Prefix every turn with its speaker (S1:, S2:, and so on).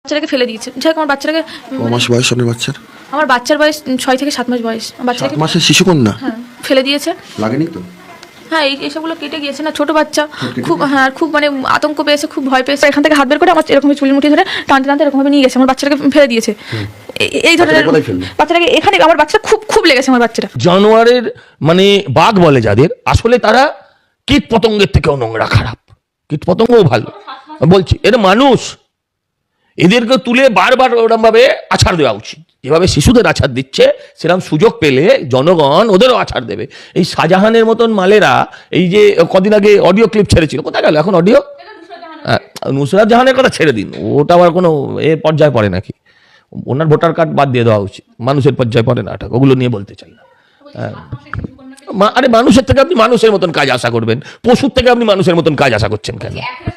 S1: বাচ্চাটাকে ফেলে দিয়েছে। যাই হোক আমার বাচ্চাটাকে
S2: ক মাস বয়স আপনার বাচ্চার?
S1: আমার বাচ্চার বয়স 6 থেকে 7 মাস বয়স। বাচ্চাটাকে
S2: 7 মাসের শিশুকন্যা?
S1: হ্যাঁ ফেলে দিয়েছে।
S2: লাগেনি তো?
S1: হ্যাঁ এইসবগুলো কেটে গিয়েছে না, ছোট বাচ্চা খুব, হ্যাঁ খুব মানে আতঙ্ক পেয়েছে, খুব ভয় পেয়েছে। এখান থেকে হাত বের করে আমার এরকম চুলের মুঠি ধরে টানতে টানতে এরকমভাবে নিয়ে গেছে, আমার বাচ্চাটাকে ফেলে দিয়েছে। এই ধরনের বাচ্চাটাকে এখানে আমার বাচ্চা খুব খুব লেগেছে আমার বাচ্চাটা।
S3: জানোয়ারের মানে বাঘ বলে যাদের, আসলে তারা কীট পতঙ্গের থেকেও নোংরা খারাপ, কীট পতঙ্গও ভালো বলছি। এরা মানুষ, এদেরকে তুলে বারবার ওরম ভাবে আছাড় দেওয়া উচিত। যেভাবে শিশুদের আছাড় দিচ্ছে সেরকম সুযোগ পেলে জনগণ ওদেরও আছাড় দেবে। এই শাহজাহানের মতন মালেরা এই যে কদিন আগে অডিও ক্লিপ ছেড়েছিল, কোথায় গেল এখন অডিও? নুসরাত জাহানের কথা ছেড়ে দিন, ওটা আবার কোনো পর্যায়ে পড়ে নাকি? ওনার ভোটার কার্ড বাদ দিয়ে দেওয়া উচিত, মানুষের পর্যায়ে পড়ে না, ওগুলো নিয়ে বলতে চাই না। আরে মানুষের থেকে আপনি মানুষের মতন কাজ আশা করবেন, পশুর থেকে আপনি মানুষের মতন কাজ আশা করছেন কেন?